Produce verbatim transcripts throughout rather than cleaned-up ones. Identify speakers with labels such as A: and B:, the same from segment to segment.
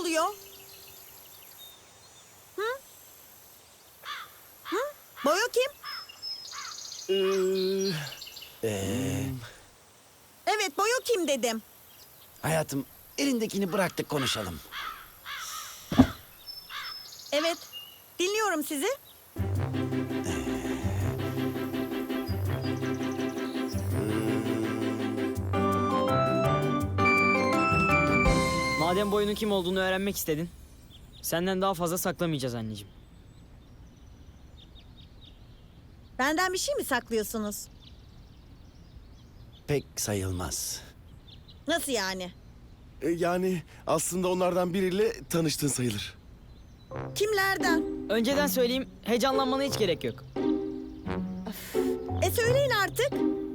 A: oluyor? Hı? Hı? Boyo kim?
B: Ee, ee,
A: Evet, Boyo kim dedim.
B: hayatım, elindekini bıraktık konuşalım.
A: Evet, dinliyorum sizi.
C: Madem Boyo'nun kim olduğunu öğrenmek istedin, senden daha fazla saklamayacağız anneciğim.
A: Benden bir şey mi saklıyorsunuz?
B: Pek sayılmaz.
A: Nasıl yani?
D: E, yani aslında onlardan biriyle tanıştın sayılır.
A: Kimlerden?
C: Önceden söyleyeyim, heyecanlanmana hiç gerek yok.
A: E söyleyin artık.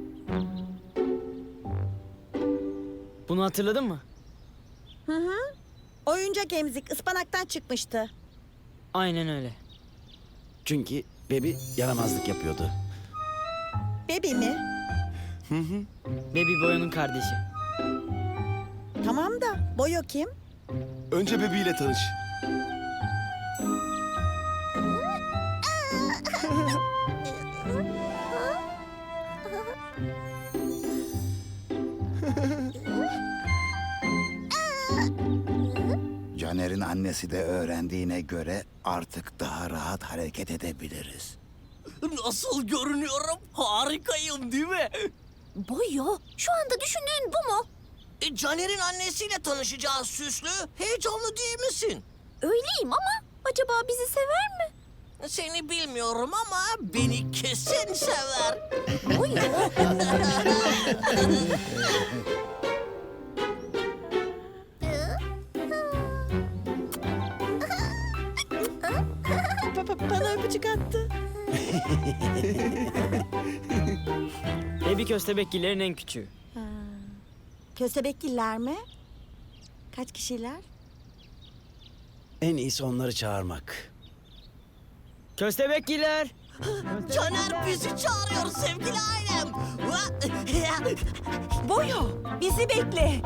C: Bunu hatırladın mı?
A: Hı hı. Oyuncak emzik ıspanaktan çıkmıştı.
C: Aynen öyle.
B: Çünkü Bebi yaramazlık yapıyordu.
A: Bebi mi?
C: Baby Boyo'nun kardeşi.
A: Tamam da Boyo kim?
D: Önce bebeğiyle tanış.
E: Caner'in annesi de öğrendiğine göre artık daha rahat hareket edebiliriz.
F: Nasıl görünüyorum? Harikayım değil mi?
G: Boyo, şu anda düşündüğün bu mu?
F: E, Caner'in annesiyle tanışacağız Süslü. Heyecanlı değil misin?
G: Öyleyim ama acaba bizi sever mi?
F: Seni bilmiyorum ama beni kesin sever.
G: Boyo.
A: Pa- pa- bana öpücük attı.
C: Baby köstebekgillerin en küçüğü.
A: Köstebekgiller mi? Kaç kişiler?
B: En iyisi onları çağırmak.
C: Köstebekgiller!
F: Caner bizi çağırıyor sevgili ailem.
A: Boyo, bizi bekle.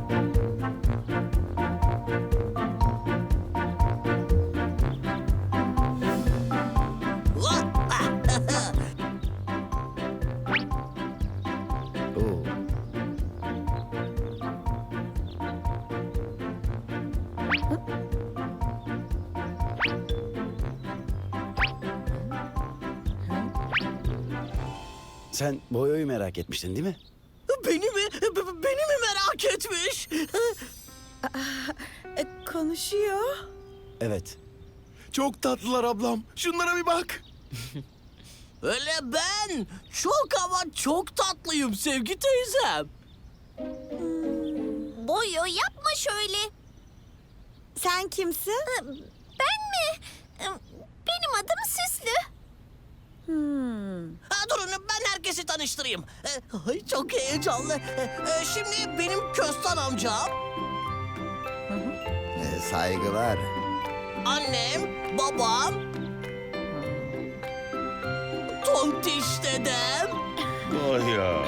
B: Oo. Sen Boyo'yu merak etmiştin değil mi?
F: Beni mi? B- Beni mi merak etmiş?
A: E, konuşuyor.
B: Evet.
D: Çok tatlılar ablam. Şunlara bir bak.
F: Öyle ben. Çok ama çok tatlıyım sevgi teyzem.
G: Boyo yapma şöyle.
A: Sen kimsin?
G: Ben mi? Benim adım Süslü.
A: Hmm.
F: Ha, durun ben herkesi tanıştırayım. E, Ay çok heyecanlı. E, e, Şimdi benim Köstan amcam,
E: Ee, saygılar.
F: annem, babam, Tontiş dedem,
E: Boyo.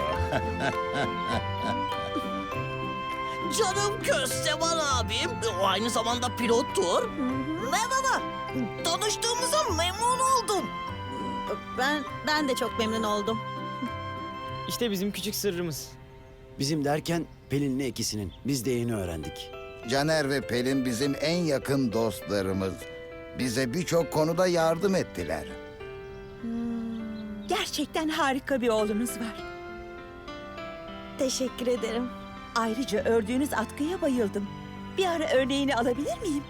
F: canım Kösteban abim. O aynı zamanda pilottur. Merhaba. Tanıştığımıza memnun oldum.
A: Ben ben de çok memnun oldum.
C: İşte bizim küçük sırrımız.
B: Bizim derken Pelin'le ikisinin. Biz de yeni öğrendik.
E: Caner ve Pelin bizim en yakın dostlarımız. Bize birçok konuda yardım ettiler.
H: Gerçekten harika bir oğlunuz var.
A: Teşekkür ederim.
H: Ayrıca ördüğünüz atkıya bayıldım. Bir ara örneğini alabilir miyim?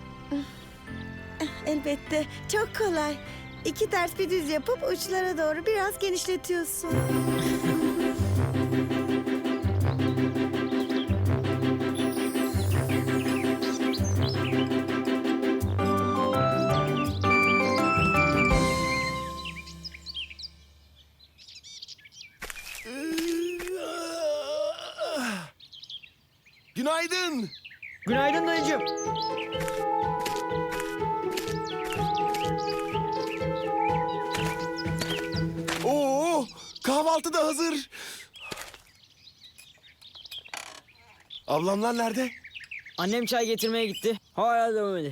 A: Elbette. Çok kolay. İki ters bir düz yapıp uçlara doğru biraz genişletiyorsun.
D: Günaydın.
C: Günaydın dayıcığım.
D: Oo, kahvaltı da hazır. Ablamlar nerede?
C: Annem çay getirmeye gitti. Hala da öyle.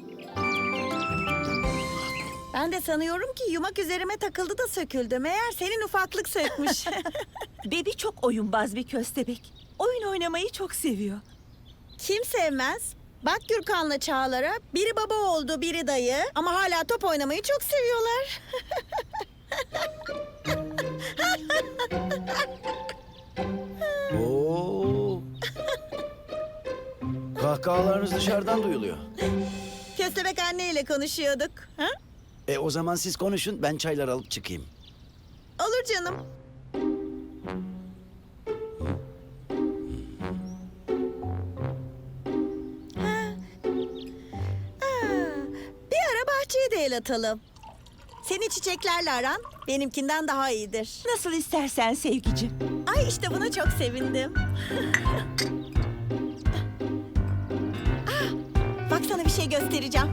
A: Ben de sanıyorum ki yumak üzerime takıldı da söküldü. Meğer senin ufaklık sökmüş.
H: Bebi çok oyunbaz bir köstebek. Oyun oynamayı çok seviyor.
A: Kim sevmez? Bak Gürkan'la Çağlar'a biri baba oldu, biri dayı. Ama hala top oynamayı çok seviyorlar.
B: Oo. Kahkahalarınız dışarıdan duyuluyor.
A: Köstebek anneyle konuşuyorduk. Ha?
B: E o zaman siz konuşun, ben çaylar alıp çıkayım.
A: Olur canım. Ha. Aa, bir ara bahçeye de el atalım. Senin çiçeklerle aran benimkinden daha iyidir.
H: Nasıl istersen sevgicim.
A: Ay işte buna çok sevindim. Ah, bak sana bir şey göstereceğim.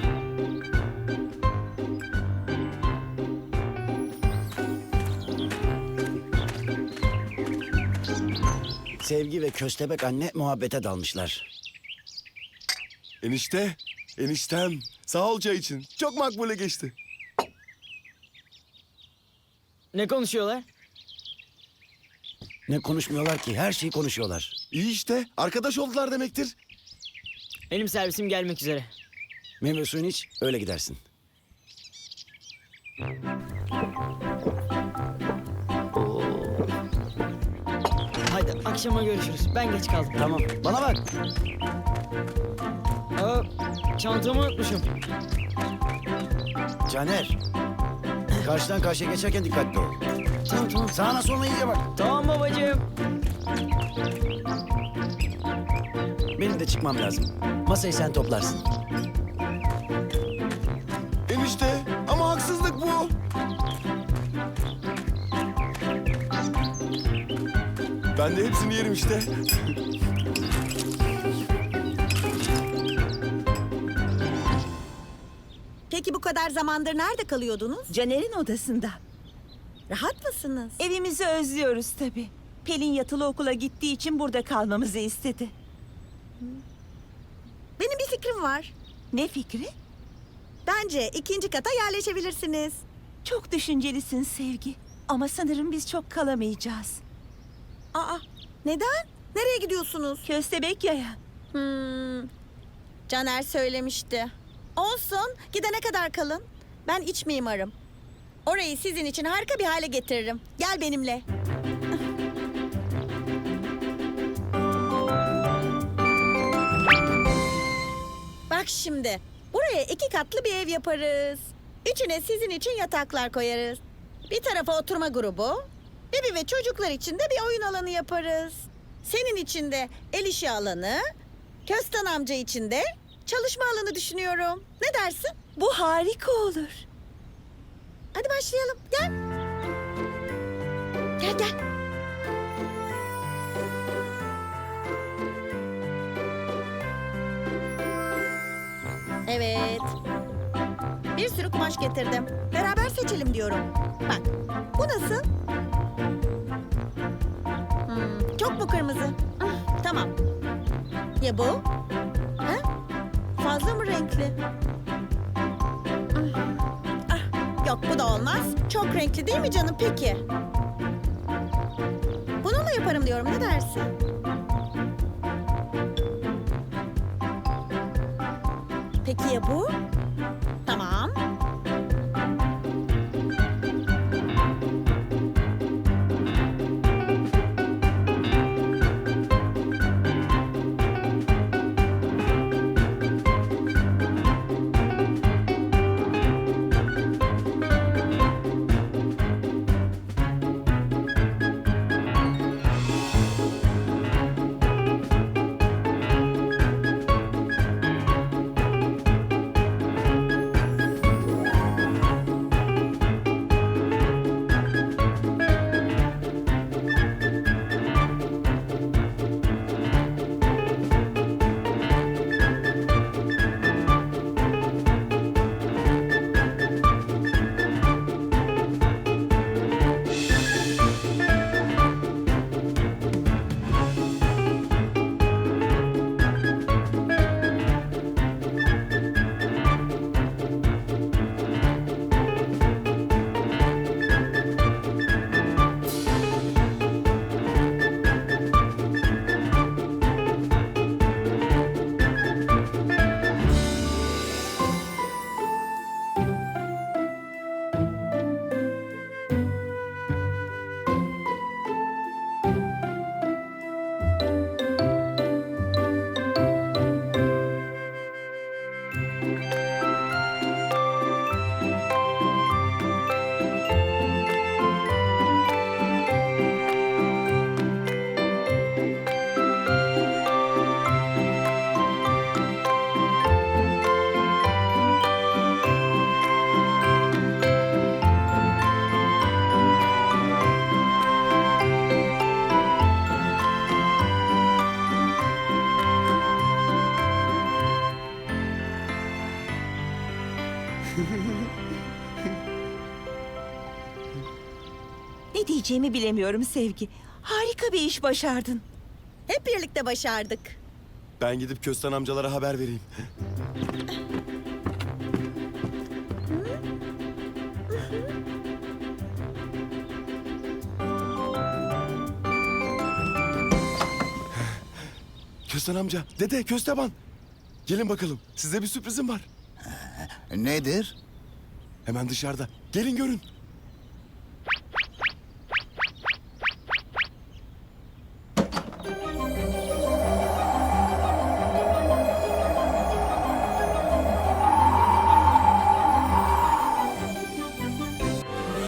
B: Sevgi ve köstebek anne muhabbete dalmışlar.
D: Enişte, eniştem. Sağ ol çay için. Çok makbule geçti.
C: Ne konuşuyorlar?
B: Ne konuşmuyorlar ki? Her şeyi konuşuyorlar.
D: İyi işte. Arkadaş oldular demektir.
C: Benim servisim gelmek üzere.
B: Meyve suyunu iç, öyle gidersin.
C: Hadi akşama görüşürüz. Ben geç kaldım.
B: Tamam, bana bak.
C: Aa, çantamı unutmuşum.
B: Caner. Karşıdan karşıya geçerken dikkatli ol.
C: Tamam tamam.
B: Sağına soluna iyice bak.
C: Tamam babacığım.
B: Benim de çıkmam lazım. Masayı sen toplarsın.
D: Enişte, ama haksızlık bu. Ben de hepsini yerim işte.
A: Peki bu kadar zamandır nerede kalıyordunuz?
H: Caner'in odasında.
A: Rahat mısınız?
H: Evimizi özlüyoruz tabii. Pelin yatılı okula gittiği için burada kalmamızı istedi.
A: Benim bir fikrim var.
H: Ne fikri?
A: Bence ikinci kata yerleşebilirsiniz.
H: Çok düşüncelisin Sevgi. Ama sanırım biz çok kalamayacağız.
A: Aa, neden? Nereye gidiyorsunuz?
H: Köstebek yaya.
A: Hmm, Caner söylemişti. Olsun, gidene kadar kalın. Ben iç mimarım. Orayı sizin için harika bir hale getiririm. Gel benimle. Bak şimdi, buraya iki katlı bir ev yaparız. İçine sizin için yataklar koyarız. Bir tarafa oturma grubu, bebi ve çocuklar için de bir oyun alanı yaparız. Senin için de el işi alanı, Köstan amca için de çalışma alanı düşünüyorum. Ne dersin?
H: Bu harika olur.
A: Hadi başlayalım. Gel. Gel gel. Evet. Bir sürü kumaş getirdim. Beraber seçelim diyorum. Bak. Bu nasıl? Hmm, çok mu kırmızı? Ah, tamam. Ya bu? Ha? Fazla mı renkli? Ah, yok bu da olmaz. Çok renkli değil mi canım peki? Bununla yaparım diyorum. Ne dersin? Peki ya bu? Tamam.
H: Ne diyeceğimi bilemiyorum Sevgi. Harika bir iş başardın.
A: Hep birlikte başardık.
D: Ben gidip Kösten amcalara haber vereyim. Kösten amca, dede, Kösteban. Gelin bakalım, size bir sürprizim var.
E: Nedir?
D: Hemen dışarıda. Gelin görün.